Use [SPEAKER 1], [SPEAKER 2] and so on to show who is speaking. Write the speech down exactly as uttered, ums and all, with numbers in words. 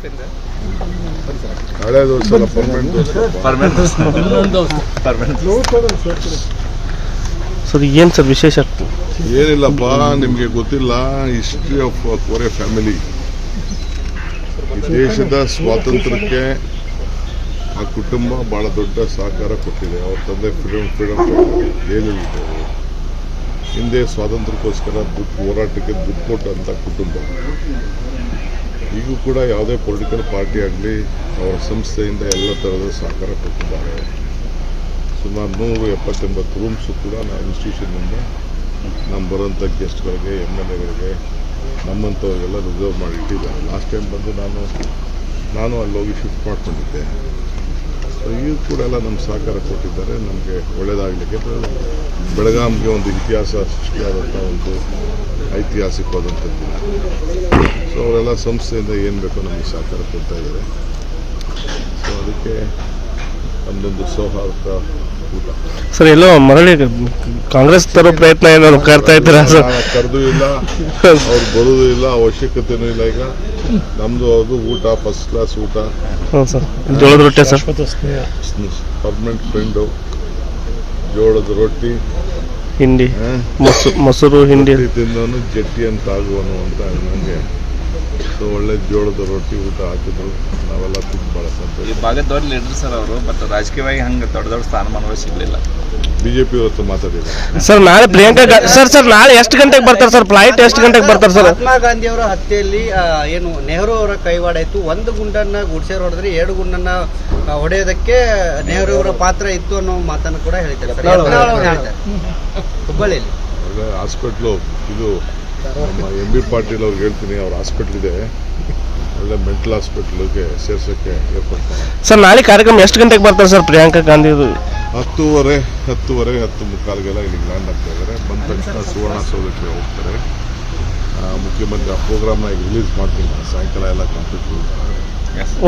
[SPEAKER 1] ಹಳೆ ದೋಸ್ತ permanent
[SPEAKER 2] sir ಏನು ಸರ್ ವಿಶೇಷ?
[SPEAKER 1] ಏನಿಲ್ಲಪ್ಪ, ನಿಮಗೆ ಗೊತ್ತಿಲ್ಲ ಹಿಸ್ಟ್ರಿ ಆಫ್ ಕೋರೆ ಫ್ಯಾಮಿಲಿ. ಈ ದೇಶದ ಸ್ವಾತಂತ್ರ್ಯಕ್ಕೆ ಆ ಕುಟುಂಬ ಬಹಳ ದೊಡ್ಡ ಸಹಕಾರ ಕೊಟ್ಟಿದೆ. ಅವ್ರ ತಂದೆ ಫ್ರೀಡಮ್ ಫ್ರೀಡಮ್ ಜೈಲಲ್ಲಿದ್ದರು. ಹಿಂದೆ ಸ್ವಾತಂತ್ರ್ಯಕ್ಕೋಸ್ಕರ ದುಡ್ಡು ಹೋರಾಟಕ್ಕೆ ದುಡ್ಡು ಕೊಟ್ಟಂಥ ಕುಟುಂಬ. ಈಗೂ ಕೂಡ ಯಾವುದೇ ಪೊಲಿಟಿಕಲ್ ಪಾರ್ಟಿ ಆಗಲಿ ಅವರ ಸಂಸ್ಥೆಯಿಂದ ಎಲ್ಲ ಥರದ ಸಹಕಾರ ಕೊಟ್ಟಿದ್ದಾರೆ. ಸುಮಾರು ನೂರು ಎಪ್ಪತ್ತೆಂಬತ್ತು ರೂಮ್ಸು ಕೂಡ ನಾವು ಇನ್ಸ್ಟಿಟ್ಯೂಷನ್ನಿಂದ ನಮ್ಮ ಬರೋಂಥ ಗೆಸ್ಟ್ಗಳಿಗೆ, ಎಮ್ ಎಲ್ ಎಗಳಿಗೆ, ನಮ್ಮಂಥವ್ರಿಗೆಲ್ಲ ರಿಸರ್ವ್ ಮಾಡಿ ಇಟ್ಟಿದ್ದಾರೆ. ಲಾಸ್ಟ್ ಟೈಮ್ ಬಂದು ನಾನು ನಾನು ಅಲ್ಲಿ ಹೋಗಿ ಶಿಫ್ಟ್ ಮಾಡ್ಕೊಂಡಿದ್ದೆ. ಸೊ ಈಗ ಕೂಡ ಎಲ್ಲ ನಮ್ಮ ಸಹಕಾರ ಕೊಟ್ಟಿದ್ದಾರೆ. ನಮಗೆ ಒಳ್ಳೆಯದಾಗಲಿಕ್ಕೆ ಬೆಳಗಾಂಗೆ ಒಂದು ಇತಿಹಾಸ ಸೃಷ್ಟಿಯಾದಂಥ ಒಂದು ಐತಿಹಾಸಿಕವಾದಂಥ ದಿನ. ಸೊ ಅವರೆಲ್ಲ ಸಂಸ್ಥೆಯಿಂದ ಏನು ಬೇಕೋ ನಮಗೆ ಸಹಕಾರ ಕೊಡ್ತಾ ಇದ್ದಾರೆ. ಸೊ ಅದಕ್ಕೆ ನಮ್ಮದೊಂದು ಸೌಹಾರ್ದ ಊಟ.
[SPEAKER 2] ಸರ್ ಎಲ್ಲೋ ಮರಳಿ ಕಾಂಗ್ರೆಸ್ ತರೋ ಪ್ರಯತ್ನ ಏನಾದ್ರು ಕರ್ತಾ ಇದ್ದೀರಾ ಸರ್?
[SPEAKER 1] ಕರೆದು ಇಲ್ಲ, ಅವ್ರು ಬರೋದು ಇಲ್ಲ, ಅವಶ್ಯಕತೆನೂ ಇಲ್ಲ. ಈಗ ನಮ್ಮದು ಅದು ಊಟ ಫಸ್ಟ್ ಕ್ಲಾಸ್ ಊಟ.
[SPEAKER 2] ಹ್ಞೂ ಸರ್, ಜೋಳದ ರೊಟ್ಟಿ ಸರ್,
[SPEAKER 1] ಪರ್ಮನೆಂಟ್ ಫ್ರೆಂಡು. ಜೋಳದ ರೊಟ್ಟಿ,
[SPEAKER 2] ಹಿಂಡಿ, ಮೊಸರು ಮೊಸರು ಹಿಂಡಿ
[SPEAKER 1] ತಿಂದವನು ಜಟ್ಟಿ ಅಂತ ಆಗುವನು ಅಂತ ನನಗೆ. ಸೊ ಒಳ್ಳೆ ಜೋಳದ ರೊಟ್ಟಿ ಊಟ ಹಾಕಿದ್ರು. ನಾವೆಲ್ಲ ತಿಂದು ಭಾಳ ಸಂತೋಷ.
[SPEAKER 3] ಈ ಭಾಗದವ್ರ ಲೀಡರ್ ಸರ್ ಅವರು, ಬಟ್ ರಾಜಕೀಯವಾಗಿ ಹಂಗೆ ದೊಡ್ಡ ದೊಡ್ಡ ಸ್ಥಾನಮಾನಗಳು ಸಿಗಲಿಲ್ಲ.
[SPEAKER 1] ಬಿಜೆಪಿ ಇವತ್ತು ಮಾತಾಡಿದ್ದಾರೆ
[SPEAKER 2] ಸರ್. ನಾಳೆ ಪ್ರಿಯಾಂಕಾ ಸರ್ ಸರ್ ನಾಳೆ ಎಷ್ಟು ಗಂಟೆಗೆ ಬರ್ತಾರೆ ಸರ್? ಫ್ಲೈಟ್ ಎಷ್ಟು ಗಂಟೆಗೆ ಬರ್ತಾರೆ ಸರ್?
[SPEAKER 4] ಮಹಾತ್ಮ ಗಾಂಧಿ ಅವರ ಹತ್ಯೆಯಲ್ಲಿ ಏನು ನೆಹರು ಅವರ ಕೈವಾಡ ಇತ್ತು. ಒಂದು ಗುಂಡನ್ನ ಗುಡ್ಸೇರ್ ಹೊಡೆದ್ರೆ ಎರಡು ಗುಂಡನ್ನ ಹೊಡೆಯೋದಕ್ಕೆ ನೆಹರು ಅವರ ಪಾತ್ರ ಇತ್ತು ಅನ್ನೋ ಮಾತನ್ನು ಕೂಡ ಹೇಳ್ತಾರೆ ಹುಬ್ಬಳ್ಳಿಯಲ್ಲಿ.
[SPEAKER 1] ಒಳ್ಳೆ ಹಾಸ್ಪಿಟ್ಲು ಇದು. ನಮ್ಮ ಎಂ ಬಿ ಪಾಟೀಲ್ ಅವ್ರಿಗೆ ಹೇಳ್ತೀನಿ, ಅವ್ರ ಹಾಸ್ಪಿಟ್ಲ್ ಇದೆ, ಒಳ್ಳೆ ಮೆಂಟಲ್ ಹಾಸ್ಪಿಟ್ಲಿಗೆ ಸೇರ್ಸೋಕ್ಕೆ ಏರ್ಪಾಡು ಮಾಡಿ.
[SPEAKER 2] ಸರ್ ನಾಳೆ ಕಾರ್ಯಕ್ರಮ ಎಷ್ಟು ಗಂಟೆಗೆ ಬರ್ತಾರೆ ಸರ್ ಪ್ರಿಯಾಂಕಾ ಗಾಂಧಿ?
[SPEAKER 1] ಹತ್ತೂವರೆ ಹತ್ತುವರೆ ಹತ್ತು ಮುಕ್ಕಾಲ್ಗೆಲ್ಲ ಇಲ್ಲಿಗೆ ಲ್ಯಾಂಡ್ ಆಗ್ತಾ ಇದ್ದಾರೆ. ಬಂದ ತಕ್ಷಣ ಸುವರ್ಣಸೌಧಕ್ಕೆ ಹೋಗ್ತಾರೆ. ಮುಖ್ಯಮಂತ್ರಿ ಆ ಪ್ರೋಗ್ರಾಮ್ನ ಈಗ ರಿಲೀಸ್ ಮಾಡ್ತೀನಿ, ಸಾಯಂಕಾಲ ಎಲ್ಲ ಕಂಪ್ಲೀಟ್